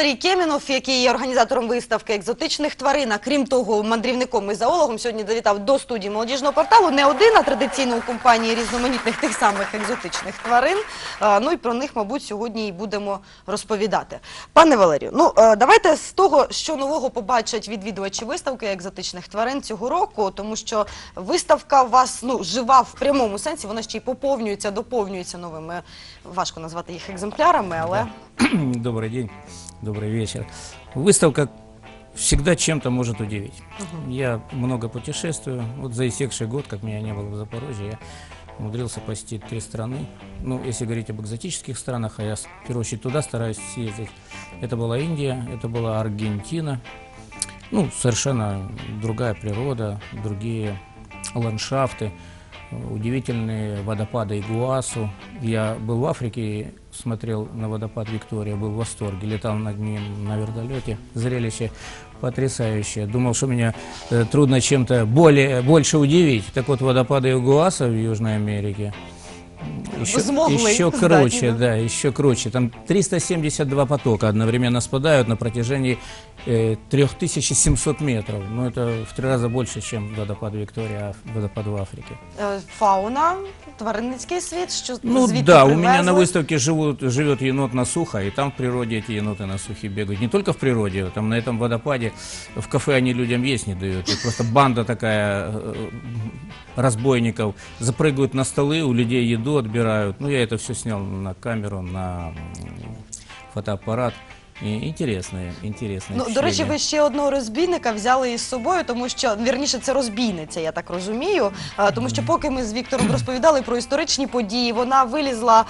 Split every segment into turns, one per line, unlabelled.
Валерій Кемінов, який є організатором виставки екзотичних тварин, а крім того, мандрівником і зоологом, сьогодні завітав до студії молодіжного порталу. Не один, а традиційно у компанії різноманітних тих самих екзотичних тварин. Ну і про них, мабуть, сьогодні і будемо розповідати. Пане Валерію, ну давайте з того, що нового побачать відвідувачі виставки екзотичних тварин цього року, тому що виставка у вас жива в прямому сенсі, вона ще й поповнюється, доповнюється новими, важко назвати їх екземплярами, але...
Добрый день, добрый вечер. Выставка всегда чем-то может удивить. Я много путешествую. Вот за истекший год, как меня не было в Запорожье, я умудрился посетить 3 страны. Ну, если говорить об экзотических странах, а я в первую очередь туда стараюсь съездить. Это была Индия, это была Аргентина. Ну, совершенно другая природа, другие ландшафты. Удивительные водопады Игуасу. Я был в Африке, смотрел на водопад Виктория, был в восторге, летал над ним на вертолете. Зрелище потрясающее. Думал, что меня трудно чем-то больше удивить. Так вот, водопады Игуаса в Южной Америке еще круче, да, еще круче. Там 372 потока одновременно спадают на протяжении 3700 метров. Ну, это в 3 раза больше, чем водопад Виктория, водопад в Африке.
Фауна, тваринницький світ, що
Ну
звідти
да,
привезли?
у меня на выставке живет енот на сухо, и там в природе эти еноты на сухе бегают. Не только в природе, там на этом водопаде, в кафе они людям есть не дают. И просто банда такая разбойников запрыгивают на столы, у людей еду отбирают. Ну, я это все снял на камеру, на фотоаппарат. Інтересне
Ну, до речі, ви ще одного розбійника взяли із собою, тому що, вірніше, це розбійниця, я так розумію, тому що поки ми з Віктором розповідали про історичні події, вона вилізла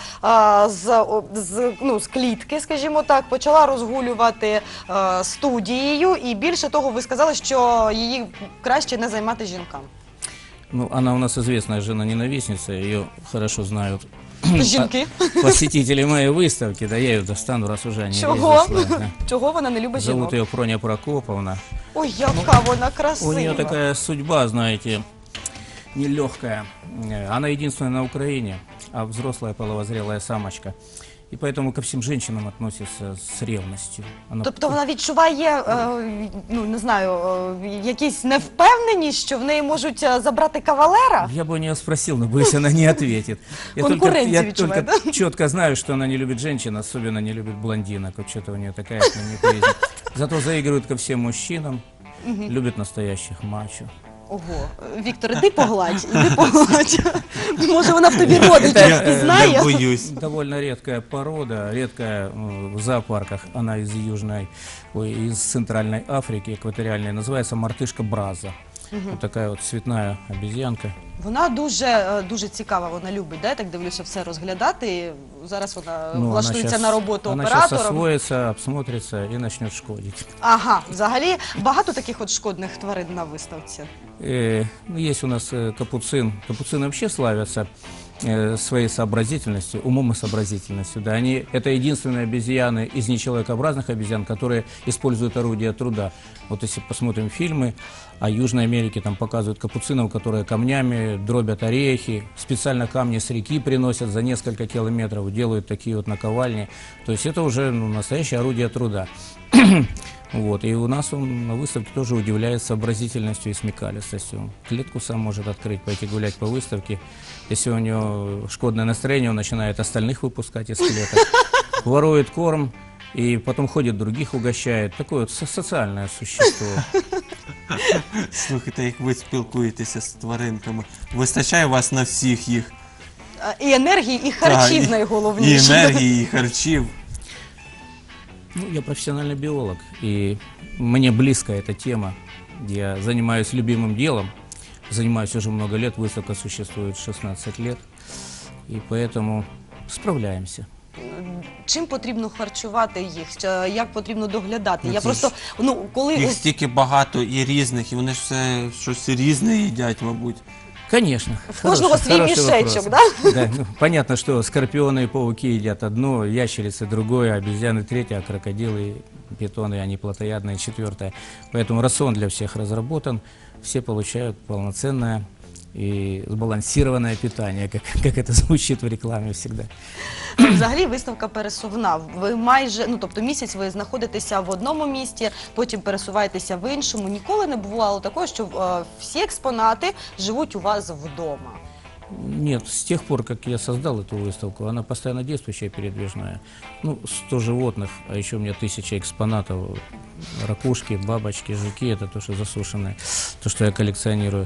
з клітки, скажімо так, почала розгулювати студією, і більше того, ви сказали, що її краще не займати жінкам.
Ну, она у нас известная жена-ненавистница, ее хорошо знают
Жінки.
посетители моей выставки, да, я ее достану, раз уже не
Чого?
везла, да.
Чого вона не любить жінок?
Зовут ее Проня Прокоповна.
Ой, яка вона красива.
У нее такая судьба, знаете, нелегкая. Она единственная на Украине, а взрослая половозрелая самочка. И поэтому ко всем женщинам относится с ревностью.
Тобто вона відчуває, ну, не знаю, якісь невпевненість, що в неї можуть забрати кавалера?
Я бы у нее спросил, но боюсь, она не ответит. Я только четко знаю, что она не любит женщин, особенно не любит блондинок. Вот что-то у нее такая неприязнь. Зато заигрывает ко всем мужчинам, любит настоящих мачо.
Ого, Віктор, іди погладь, Може вона в тобі родичів впізнає?
Я боюсь.
Довольно редкая порода, редкая в зоопарках. Она из Центральной Африки, экваториальной, называется мартышка браза. Вот такая вот цветная обезьянка.
Вона дуже цікава, вона любить, да? Я так дивлюся, все розглядати. Зараз вона влаштується на роботу оператором.
Она сейчас освоится, обсмотрится и начнет шкодить.
Ага, взагалі багато таких от шкодних тварин на виставці?
Есть у нас капуцин. Капуцины вообще славятся своей сообразительностью, умом и сообразительностью. Да, это единственные обезьяны из нечеловекообразных обезьян, которые используют орудия труда. Вот если посмотрим фильмы о Южной Америке, там показывают капуцинов, которые камнями дробят орехи, специально камни с реки приносят за несколько километров, делают такие вот наковальни. То есть это уже настоящее орудие труда. Вот, и у нас он на выставке тоже удивляет сообразительностью и смекалистостью. Клетку сам может открыть, пойти гулять по выставке. Если у него шкодное настроение, он начинает остальных выпускать из клеток. Ворует корм и потом ходит, других угощает. Такое вот социальное существо.
Слухайте, як ви спілкуєтеся з тваринками, вистачає вас на всіх їх?
І енергії, і харчів найголовніше.
І енергії, і харчів.
Ну, я профессиональный биолог, и мне близка эта тема. Я занимаюсь любимым делом, занимаюсь уже много лет, выставка существует 16 лет, и поэтому справляемся.
Чим потрібно харчувати їх? Як потрібно доглядати? Я просто, коли...
Їх стільки багато і різних, і вони ж все щось різне їдять, мабуть.
Конечно.
В кожного свій мішечок, да?
Да, понятно, что скорпионы и пауки едят одно, ящерицы другое, обезьяны третье, а крокодилы, питоны, они плотоядные четвертое. Поэтому рацион для всех разработан, все получают полноценное и сбалансированное питание, как это звучит в рекламе всегда.
Взагалі виставка пересувна. Ви майже, ну тобто місяць ви знаходитеся в одному місті, потім пересуваєтеся в іншому. Ніколи не бувало такого, що всі експонати живуть у вас вдома.
Нет, с тех пор, как я создал эту выставку, она постоянно действующая, передвижная. Ну, 100 животных, а еще у меня 1000 экспонатов. Ракушки, бабочки, жуки, это то, что засушенное, то, что я коллекционирую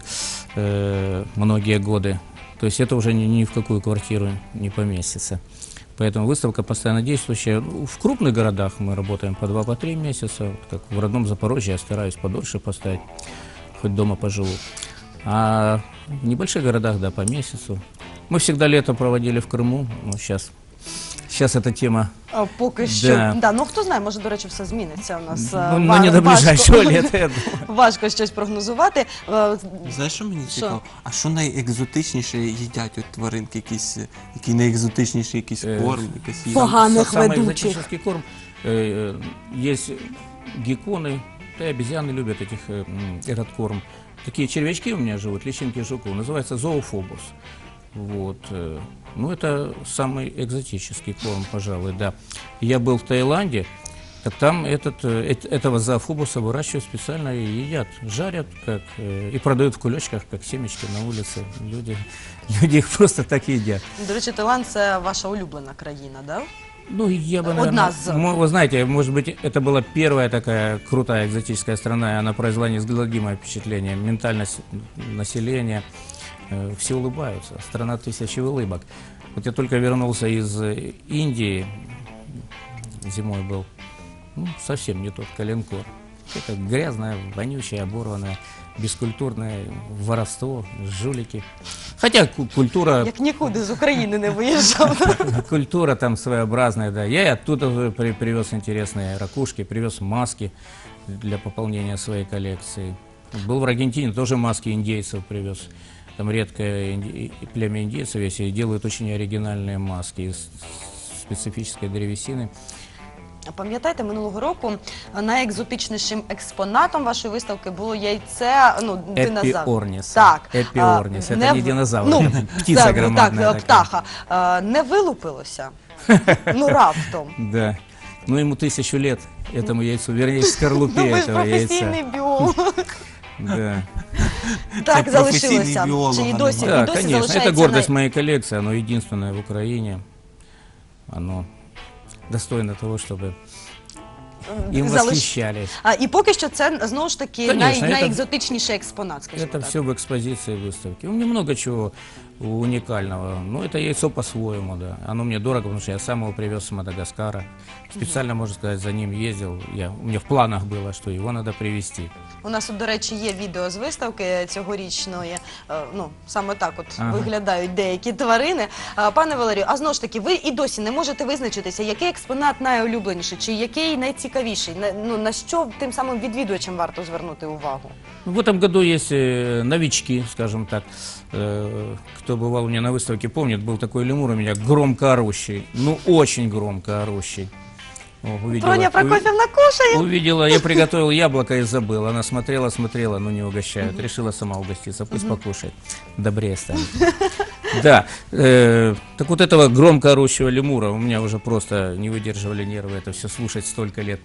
многие годы. То есть это уже ни в какую квартиру не поместится. Поэтому выставка постоянно действующая. В крупных городах мы работаем по 2-3 месяца. Вот как в родном Запорожье я стараюсь подольше поставить, хоть дома поживу. А в небольших городах, да, по месяцу. Мы всегда лето проводили в Крыму, но сейчас эта тема...
Поки що.
Да.
Да, ну хто знає, може, до речі, все зміниться у нас.
Ну, не до ближайшего лета, я думаю.
Важко щось прогнозувати.
Знаєш, що мені
Що?
цікаво? А що найекзотичніше їдять от тваринки? Який найекзотичніший якийсь корм, якась їжа?
Поганих
Самый
ведучих.
экзотический корм. Есть гекконы, да и обезьяны любят этот корм. Такие червячки у меня живут, личинки жуков, называется зоофобус. Вот. Ну, это самый экзотический корм, пожалуй, да. Я был в Таиланде, так там этого зоофобуса выращивают специально и едят, жарят и продают в кулечках, как семечки на улице. Люди их просто так едят.
До речі, Таїланд – це ваша улюблена країна, да?
Ну, я бы,
Одна
наверное,
из.
вы знаете, может быть, это была первая такая крутая экзотическая страна, и она произвела неизгладимое впечатление. Ментальность населения, все улыбаются, страна 1000 улыбок. Вот я только вернулся из Индии, зимой был, ну, совсем не тот коленкор. Это грязное, вонючее, оборванное, бескультурное воровство, жулики. Хотя культура...
Як нікуди з України не виїжджав.
Культура там своеобразная, да. Я и оттуда привез интересные ракушки, привез маски для пополнения своей коллекции. Был в Аргентине, тоже маски индейцев привез. Там редкое племя индейцев есть, и делают очень оригинальные маски из специфической древесины.
Пам'ятаєте, минулого року найекзотичнішим експонатом вашої виставки було яйце, ну, динозавр.
Эпиорнис.
Так.
Эпиорнис. Это не динозавр,
Ну,
это птица
так,
громадная.
так,
такая.
птаха. Не вилупилося? Ну, раптом.
Да. Ну, ему 1000 лет, этому яйцу, вернее, скорлупе
Ну, ви ж
этого
професійний
яйца.
біолог.
Да.
Так
Це
залишилося.
професійний біолог,
Чи і
а не
досі, і
Да,
досі
конечно, это
залишається
гордость моей коллекции, оно единственное в Украине. Оно достойно того, чтобы им восхищались.
І поки що це, знову ж таки,
Конечно,
найекзотичніший експонат, скажімо
Это
так.
все в экспозиции выставки. У меня много чего уникального. Но это яйцо по-своему, да. Оно мне дорого, потому что я сам его привез с Мадагаскара. Специально, можно сказать, за ним ездил. У меня в планах было, что его надо привезти.
У нас, до речі, є відео з виставки цьогорічної. Ну, саме так от
Ага.
виглядають деякі тварини. Пане Валерію, а знову ж таки, ви і досі не можете визначитися, який експонат найулюбленіший, чи який найцікавіший, на що тим самим відвідувачам варто звернути увагу?
В этом году есть новички, скажем так. Кто бывал у меня на выставке, помнит, был такой лемур у меня, громко орущий. Ну, очень громко орущий.
Проня Прокофьевна кушает.
Увидела, я приготовил яблоко и забыл. Она смотрела, но не угощают. Решила сама угоститься, пусть покушает. Добрее станет. Да, так вот этого громко орущего лемура у меня уже просто не выдерживали нервы это все слушать столько лет.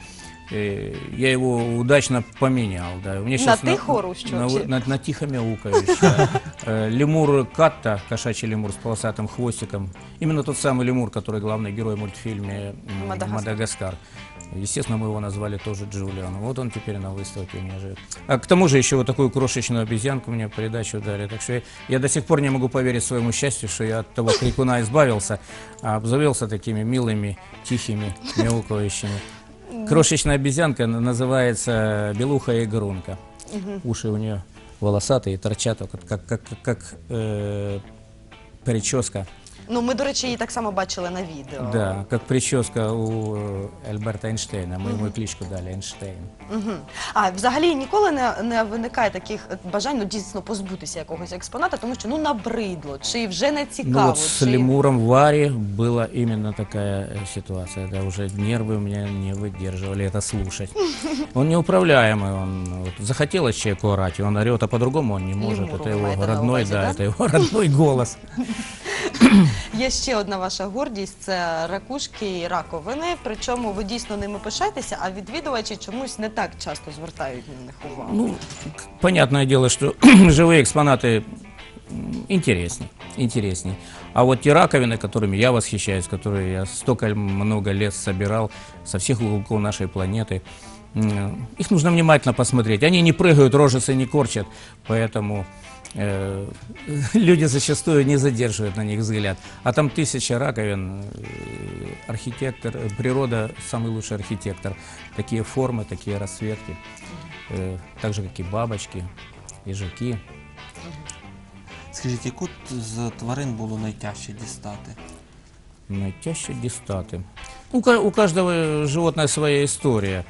Я его удачно поменял. Да. У меня сейчас
тихо орущего?
на тихо мяукающего. Лемур Катта, кошачий лемур с полосатым хвостиком. Именно тот самый лемур, который главный герой в мультфильме «Мадагаскар». Естественно, мы его назвали тоже Джулиан. Вот он теперь на выставке у меня живет. А к тому же еще вот такую крошечную обезьянку мне в придачу дали. Так что я до сих пор не могу поверить своему счастью, что я от того крикуна избавился, а обзавелся такими милыми, тихими, мяукающими. Крошечная обезьянка называется белуха игрунка. Уши у нее волосатые, торчат, как прическа
Ну, ми, до речі, її так само бачили на відео.
Да, как прическа у Альберта Эйнштейна. Мы ему кличку дали Эйнштейн.
Мгм. А взагалі ніколи не виникає таких бажань, ну, дійсно позбутися якогось експоната, тому що, ну, набридло, чи вже не цікаво,
Ну вот с
чи...
лемуром Вари была именно такая ситуация. Да, уже нервы у меня не выдерживали это слушать. Он неуправляемый, он вот, захотелось человеку орать, и он орет, а по-другому он не может.
Лемуру
Это
вы
его
имеете на
родной,
увазі,
да,
да?
это его родной голос.
Є ще одна ваша гордість – це ракушки і раковини, причому ви дійсно ними пишаєтеся, а відвідувачі чомусь не так часто звертають на них увагу.
Ну, понятное дело, что живые экспонаты интересней. А вот те раковины, которыми я восхищаюсь, которые я столько много лет собирал со всех уголков нашей планеты, их нужно внимательно посмотреть. Они не прыгают, рожицы не корчат, поэтому люди зачастую не задерживают на них взгляд. А там 1000 раковин, архитектор, природа самый лучший архитектор. Такие формы, такие расцветки, так же, как и бабочки, и жуки.
Скажіть, яку з тварин було найтяжче дістати?
Найтяжче дистаты. У каждого животное своя история.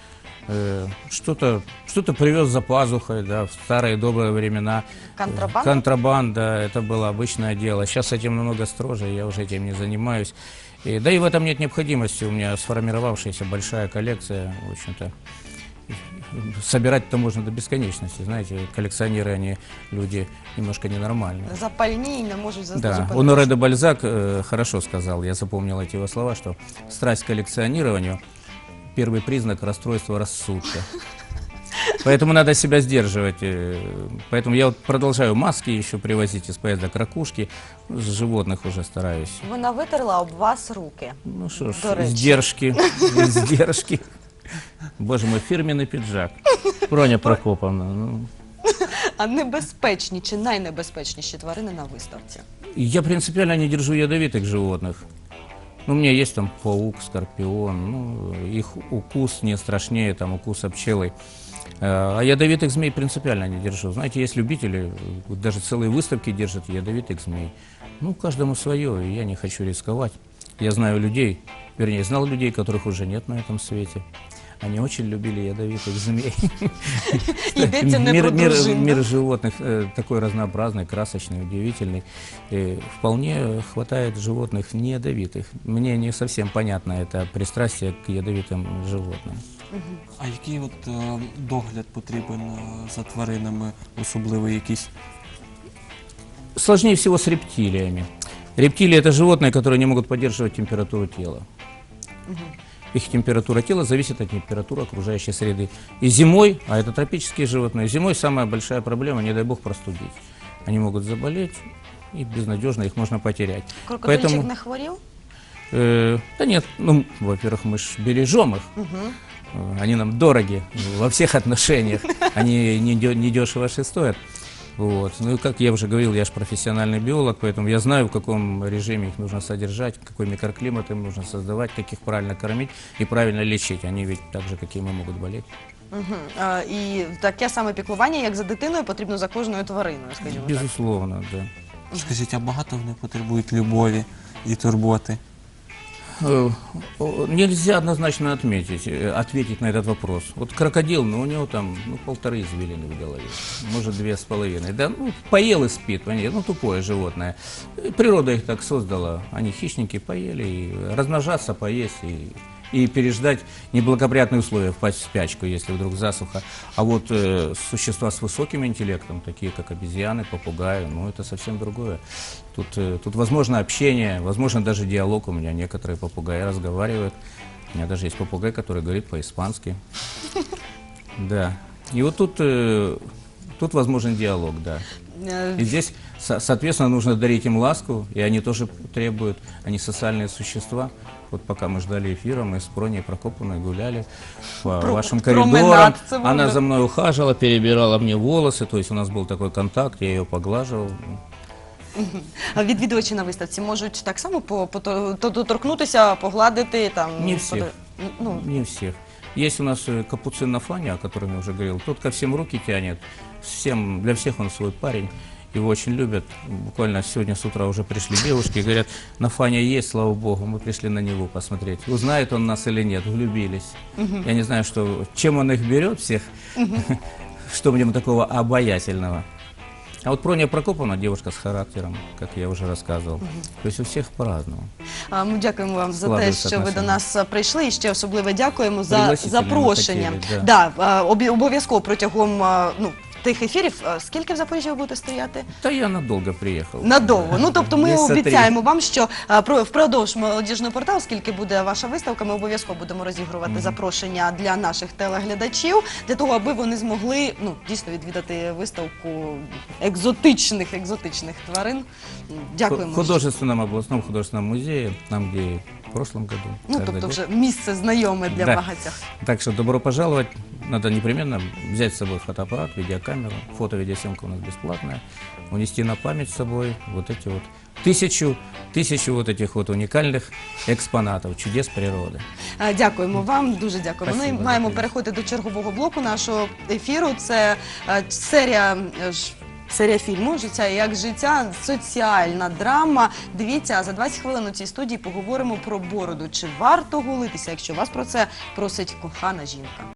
Что-то привез за пазухой, да, в старые добрые времена.
Контрабанда?
Контрабанда, это было обычное дело. Сейчас этим намного строже, я уже этим не занимаюсь. Да и в этом нет необходимости. У меня сформировавшаяся большая коллекция, в общем-то. Собирать-то можно до бесконечности, знаете, коллекционеры, они люди немножко ненормальные.
Запальні і не можуть
Да,
зупинитися.
Оноре де Бальзак хорошо сказал, я запомнил эти его слова, что страсть к коллекционированию – первый признак расстройства рассудка. Поэтому надо себя сдерживать. Поэтому я вот продолжаю маски еще привозить из поездок, ракушки, с животных уже стараюсь.
Вона витерла об вас руки.
Ну что ж,
До речі.
сдержки. Боже мой, фирменный пиджак. Броня Прокоповна. Ну.
А небезпечні чи найнебезпечніші тварини на виставці?
Я принципиально не держу ядовитых животных. Ну, у меня есть там паук, скорпион, ну, их укус не страшнее там укуса пчелы. А ядовитых змей принципиально не держу. Знаете, есть любители, даже целые выставки держат ядовитых змей. Ну, каждому свое, и я не хочу рисковать. Я знаю людей, вернее, знал людей, которых уже нет на этом свете. Они очень любили ядовитых змей.
Йдеться не про дружину.
Мир животных такой разнообразный, красочный, удивительный. Вполне хватает животных не ядовитых. Мне не совсем понятно это пристрастие к ядовитым животным.
А який от догляд потрібен за тваринами, особливо якийсь?
Сложнее всего с рептилиями. Рептилии – это животные, которые не могут поддерживать температуру тела. Их температура тела зависит от температуры окружающей среды. И зимой, а это тропические животные, зимой самая большая проблема, не дай бог, простудить. Они могут заболеть, и безнадежно их можно потерять.
Крокодильчик не хворів?
Да нет, ну, во-первых, мы ж бережем их. Они нам дороги во всех отношениях. Они недешево стоят. Вот. Ну и как я уже говорил, я же профессиональный биолог, поэтому я знаю, в каком режиме их нужно содержать, какой микроклимат им нужно создавать, как их правильно кормить и правильно лечить. Они ведь так же, как и мы, могут болеть.
І таке саме піклування, як за дитиною, потрібно за кожною твариною, скажімо так.
Безусловно, да.
Скажіть, а багато вони потребують любові і турботи?
Нельзя однозначно ответить на этот вопрос. Вот крокодил, ну у него там 1,5 извилины в голове, может 2,5. Да, ну, поел и спит, понимаете, ну тупое животное. Природа их так создала, они хищники, поели, и размножаться, поесть и переждать неблагоприятные условия, впасть в спячку, если вдруг засуха. А вот существа с высоким интеллектом, такие как обезьяны, попугаи, ну это совсем другое. Тут возможно общение, возможно даже диалог. У меня некоторые попугаи разговаривают. У меня даже есть попугай, который говорит по-испански. Да. И вот тут возможен диалог, да. И здесь, соответственно, нужно дарить им ласку, и они тоже требуют, они социальные существа. Вот пока мы ждали эфира, мы с Броней Прокоповной гуляли по вашим коридорам.
променад,
Она за мной ухаживала, перебирала мне волосы, то есть у нас был такой контакт, я ее поглаживал.
А відвідувачі на виставці можуть так само доторкнутися, погладити там?
Не всіх.
Ну,
Не всех. Есть у нас капуцин на фане, о котором я уже говорил. Тот ко всем руки тянет, для всех он свой парень. его очень любят. Буквально сегодня с утра уже пришли девушки и говорят, на Фаня есть, слава богу, мы пришли на него посмотреть. Узнает он нас или нет, влюбились. Я не знаю, чем он их берет всех, что в нем такого обаятельного. А вот Проня Прокоповна девушка с характером, как я уже рассказывал. То есть у всех по-разному.
Ми дякуємо вам за те,
Складаються
що ви до
отношення.
нас прийшли, і ще особливо дякуємо за
Пригласительно
запрошення.
ми хотіли, да.
Обов'язково протягом тих ефірів. Скільки в Запоріжжі ви будете стояти?
Да я надолго приехал.
Надовго. Ну, тобто ми
Місяця три.
обіцяємо вам, що впродовж молодіжного порталу, скільки буде ваша виставка, ми обов'язково будемо розігрувати запрошення для наших телеглядачів, для того, аби вони змогли дійсно відвідати виставку екзотичних тварин. Дякуємо.
В художественном областном художественном музее, там, где в прошлом году.
Ну,
каждый
тобто
год.
вже місце знайоме для
Да.
багатьох.
Так что добро пожаловать. Надо непременно взять с собой фотоаппарат, видеокамеру. Фото-видеосъемка у нас бесплатная. Унести на память с собой вот эти вот тысячу вот этих вот уникальных экспонатов, чудес природы.
Дякуємо вам, дуже дякуємо.
Спасибо,
Ну і маємо
дякую.
переходити до чергового блоку нашого ефіру. Це серія фільму «Життя як життя», соціальна драма. Дивіться, а за 20 хвилин у цій студії поговоримо про бороду. Чи варто голитися, якщо вас про це просить кохана жінка?